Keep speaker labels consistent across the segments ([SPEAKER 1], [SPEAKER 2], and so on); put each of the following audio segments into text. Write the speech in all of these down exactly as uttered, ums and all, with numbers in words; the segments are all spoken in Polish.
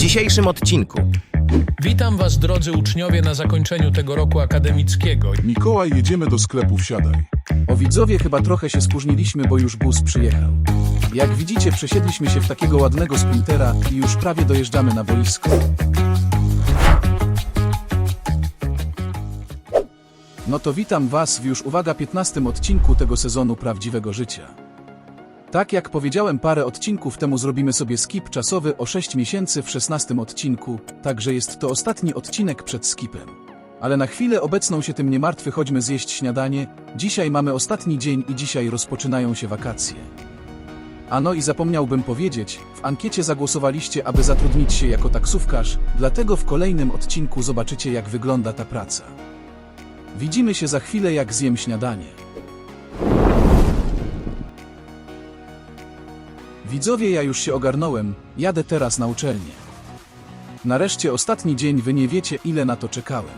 [SPEAKER 1] dzisiejszym odcinku.
[SPEAKER 2] Witam Was, drodzy uczniowie, na zakończeniu tego roku akademickiego.
[SPEAKER 3] Mikołaj, jedziemy do sklepu, wsiadaj.
[SPEAKER 4] O widzowie, chyba trochę się spóźniliśmy, bo już bus przyjechał. Jak widzicie, przesiedliśmy się w takiego ładnego sprintera i już prawie dojeżdżamy na boisko. No to witam Was w już, uwaga, piętnastym odcinku tego sezonu Prawdziwego Życia. Tak jak powiedziałem parę odcinków temu, zrobimy sobie skip czasowy o sześć miesięcy w szesnastym odcinku, także jest to ostatni odcinek przed skipem. Ale na chwilę obecną się tym nie martwy, chodźmy zjeść śniadanie. Dzisiaj mamy ostatni dzień i dzisiaj rozpoczynają się wakacje. A no i zapomniałbym powiedzieć, w ankiecie zagłosowaliście, aby zatrudnić się jako taksówkarz, dlatego w kolejnym odcinku zobaczycie, jak wygląda ta praca. Widzimy się za chwilę, jak zjem śniadanie. Widzowie, ja już się ogarnąłem, jadę teraz na uczelnię. Nareszcie ostatni dzień, wy nie wiecie, ile na to czekałem.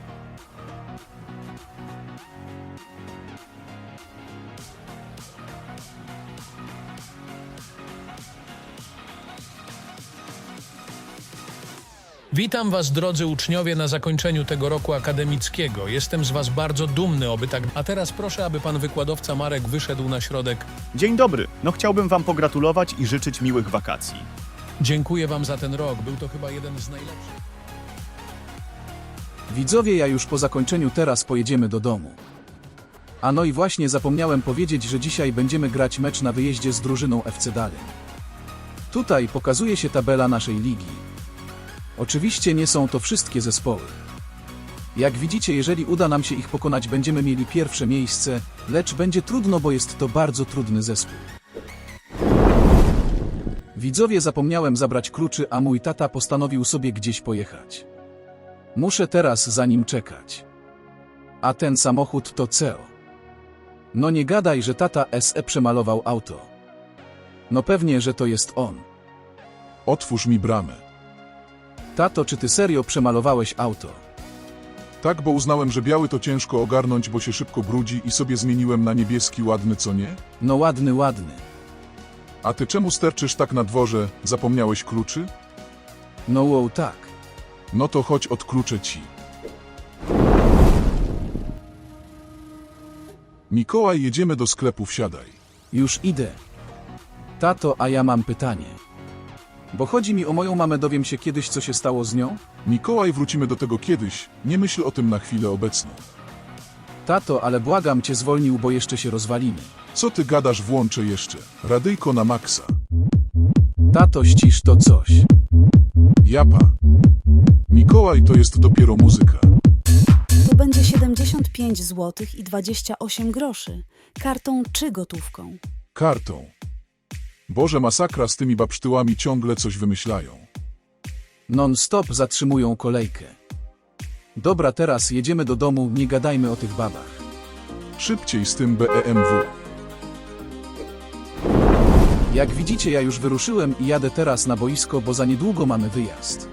[SPEAKER 2] Witam Was, drodzy uczniowie, na zakończeniu tego roku akademickiego. Jestem z Was bardzo dumny, oby tak... A teraz proszę, aby Pan wykładowca Marek wyszedł na środek.
[SPEAKER 5] Dzień dobry. No chciałbym Wam pogratulować i życzyć miłych wakacji.
[SPEAKER 2] Dziękuję Wam za ten rok, był to chyba jeden z najlepszych.
[SPEAKER 4] Widzowie, ja już po zakończeniu teraz pojedziemy do domu. A no i właśnie zapomniałem powiedzieć, że dzisiaj będziemy grać mecz na wyjeździe z drużyną F C Daleń. Tutaj pokazuje się tabela naszej ligi. Oczywiście nie są to wszystkie zespoły. Jak widzicie, jeżeli uda nam się ich pokonać, będziemy mieli pierwsze miejsce, lecz będzie trudno, bo jest to bardzo trudny zespół. Widzowie, zapomniałem zabrać kluczy, a mój tata postanowił sobie gdzieś pojechać. Muszę teraz za nim czekać. A ten samochód to C E O. No nie gadaj, że tata S E przemalował auto. No pewnie, że to jest on.
[SPEAKER 3] Otwórz mi bramę.
[SPEAKER 4] Tato, czy ty serio przemalowałeś auto?
[SPEAKER 3] Tak, bo uznałem, że biały to ciężko ogarnąć, bo się szybko brudzi i sobie zmieniłem na niebieski, ładny, co nie?
[SPEAKER 4] No ładny, ładny.
[SPEAKER 3] A ty czemu sterczysz tak na dworze? Zapomniałeś kluczy?
[SPEAKER 4] No wow, tak.
[SPEAKER 3] No to chodź, odkluczę ci. Mikołaj, jedziemy do sklepu, wsiadaj.
[SPEAKER 4] Już idę. Tato, a ja mam pytanie. Bo chodzi mi o moją mamę, dowiem się kiedyś, co się stało z nią?
[SPEAKER 3] Mikołaj, wrócimy do tego kiedyś, nie myśl o tym na chwilę obecną.
[SPEAKER 4] Tato, ale błagam cię, zwolnił, bo jeszcze się rozwalimy.
[SPEAKER 3] Co ty gadasz, włączę jeszcze. Radyjko na maksa.
[SPEAKER 4] Tato, ścisz to coś.
[SPEAKER 3] Japa. Mikołaj, to jest dopiero muzyka.
[SPEAKER 6] To będzie siedemdziesiąt pięć złotych i dwadzieścia osiem groszy. Kartą czy gotówką?
[SPEAKER 3] Kartą. Boże, masakra, z tymi babsztyłami ciągle coś wymyślają.
[SPEAKER 4] Non-stop zatrzymują kolejkę. Dobra, teraz jedziemy do domu, nie gadajmy o tych babach.
[SPEAKER 3] Szybciej z tym B E M W.
[SPEAKER 4] Jak widzicie, ja już wyruszyłem i jadę teraz na boisko, bo za niedługo mamy wyjazd.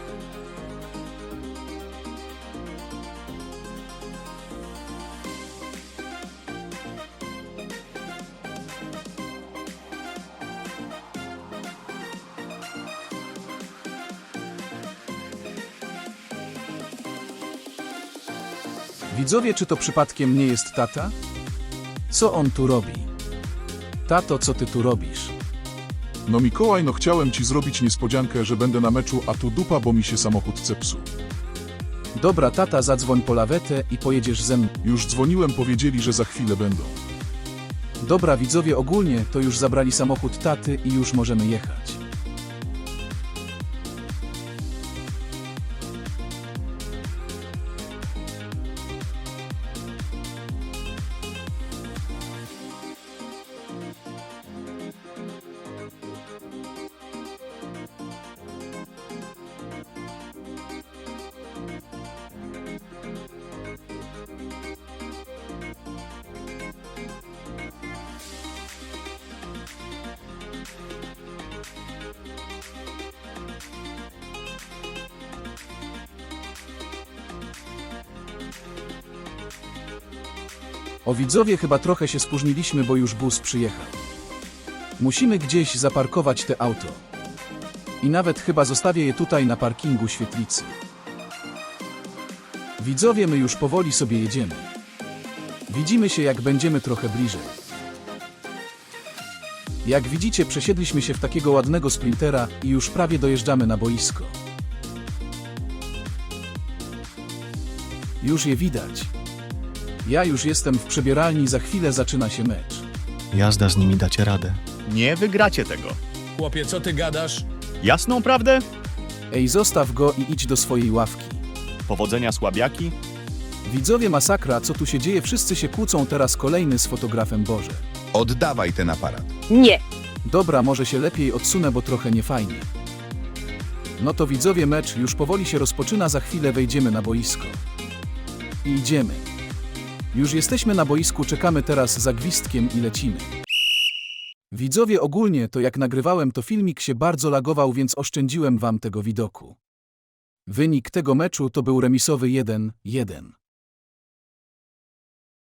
[SPEAKER 4] Widzowie, czy to przypadkiem nie jest tata? Co on tu robi? Tato, co ty tu robisz?
[SPEAKER 3] No Mikołaj, no chciałem ci zrobić niespodziankę, że będę na meczu, a tu dupa, bo mi się samochód zepsuł.
[SPEAKER 4] Dobra, tata, zadzwoń po lawetę i pojedziesz ze mną.
[SPEAKER 3] Już dzwoniłem, powiedzieli, że za chwilę będą.
[SPEAKER 4] Dobra, widzowie, ogólnie to już zabrali samochód taty i już możemy jechać. O widzowie, chyba trochę się spóźniliśmy, bo już bus przyjechał. Musimy gdzieś zaparkować te auto. I nawet chyba zostawię je tutaj na parkingu świetlicy. Widzowie, my już powoli sobie jedziemy. Widzimy się, jak będziemy trochę bliżej. Jak widzicie, przesiedliśmy się w takiego ładnego sprintera i już prawie dojeżdżamy na boisko. Już je widać. Ja już jestem w przebieralni, za chwilę zaczyna się mecz.
[SPEAKER 1] Jazda z nimi dacie radę.
[SPEAKER 5] Nie wygracie tego.
[SPEAKER 2] Chłopie, co ty gadasz?
[SPEAKER 5] Jasną prawdę?
[SPEAKER 4] Ej, zostaw go i idź do swojej ławki.
[SPEAKER 5] Powodzenia, słabiaki.
[SPEAKER 4] Widzowie, masakra, co tu się dzieje? Wszyscy się kłócą, teraz kolejny z fotografem. Boże.
[SPEAKER 7] Oddawaj ten aparat.
[SPEAKER 8] Nie.
[SPEAKER 4] Dobra, może się lepiej odsunę, bo trochę niefajnie. No to widzowie, mecz już powoli się rozpoczyna, za chwilę wejdziemy na boisko. I idziemy. Już jesteśmy na boisku, czekamy teraz za gwizdkiem i lecimy. Widzowie, ogólnie to jak nagrywałem, to filmik się bardzo lagował, więc oszczędziłem wam tego widoku. Wynik tego meczu to był remisowy jeden jeden.